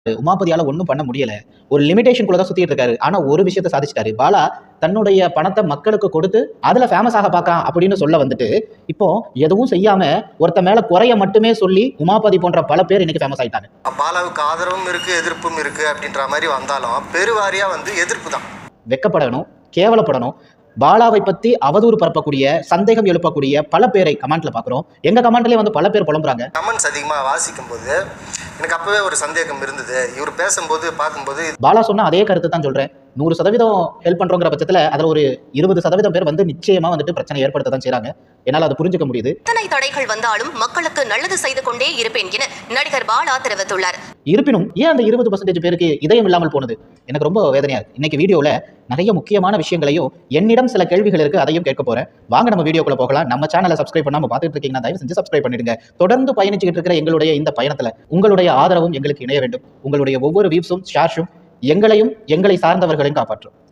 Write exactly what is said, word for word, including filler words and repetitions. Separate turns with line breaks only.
உமாபதியால ஒண்ணும் பண்ண முடியல. ஒரு லிமிட்டேஷன்குள்ள தான் சுத்திட்டு இருக்காரு. ஆனா ஒரு விஷயத்த சாதிச்சிட்டாரு. பாலா தன்னுடைய பணத்த மக்களுக்கு கொடுத்து அதுல ஃபேமஸ் ஆக பார்க்கான் அப்படின்னு சொல்ல வந்துட்டு, இப்போ எதுவும் செய்யாம ஒருத்த மேல குறைய மட்டுமே சொல்லி உமாபதி போன்ற பல பேர் இன்னைக்கு ஃபேமஸ் ஆயிட்டாங்க.
பாலாவுக்கு ஆதரவும் இருக்கு, எதிர்ப்பும் இருக்கு அப்படின்ற மாதிரி வந்தாலும் பெருவாரியா வந்து எதிர்ப்பு தான்.
வெக்கப்படணும், கேவலப்படணும். பாலாவை பத்தி அவதூறு பரப்பக்கூடிய, சந்தேகம் எழுப்பக்கூடிய பல பேரை கமெண்ட்ல பாக்குறோம். எங்க கமெண்ட்லயே வந்து பல பேர் புலம்புறாங்க.
கமெண்ட்ஸ் அதிகமா வாசிக்கும் போது எனக்கு அப்பவே ஒரு சந்தேகம் இருந்தது. இவர் பேசும்போது பார்க்கும்போது
பாலா சொன்ன அதே கருத்து தான் சொல்றேன். நூறு சதவீதம் ஹெல்ப் பண்றோங்கிற பட்சத்துல அதுல ஒரு இருபது சதவீதம் பேர் வந்து நிச்சயமா வந்துட்டு பிரச்சனை ஏற்படுத்த தான் செய்றாங்க. என்னால அதை புரிஞ்சுக்க முடியுது.
இத்தனை தடைகள் வந்தாலும் மக்களுக்கு நல்லது செய்து கொண்டே இருப்பேன் என நடிகர் பாலா தெரிவித்துள்ளார்.
இருப்பினும் ஏன் அந்த இருபது பர்சன்டேஜ் பேருக்கு இதயம் இல்லாமல் போனது எனக்கு ரொம்ப வேதனையா இருக்கு. இன்னைக்கு வீடியோல நிறைய முக்கியமான விஷயங்களையும் என்னிடம் சில கேள்விகள் இருக்கு, அதையும் கேட்க போறேன். வாங்க நம்ம வீடியோக்குள்ள போகலாம். நம்ம சேனலை சப்ஸ்கிரைப் பண்ணாம பார்த்துட்டு இருக்கீங்கன்னா தயவு செஞ்சு சப்ஸ்கிரைப் பண்ணிடுங்க. தொடர்ந்து பயணிச்சுட்டு இருக்கிற எங்களுடைய இந்த பயணத்துல உங்களுடைய ஆதரவும் எங்களுக்கு இணைய வேண்டும். உங்களுடைய ஒவ்வொரு வியூஸும் ஷேர்ஸும் எங்களையும் எங்களை சார்ந்தவர்களையும் காப்பாற்றும்.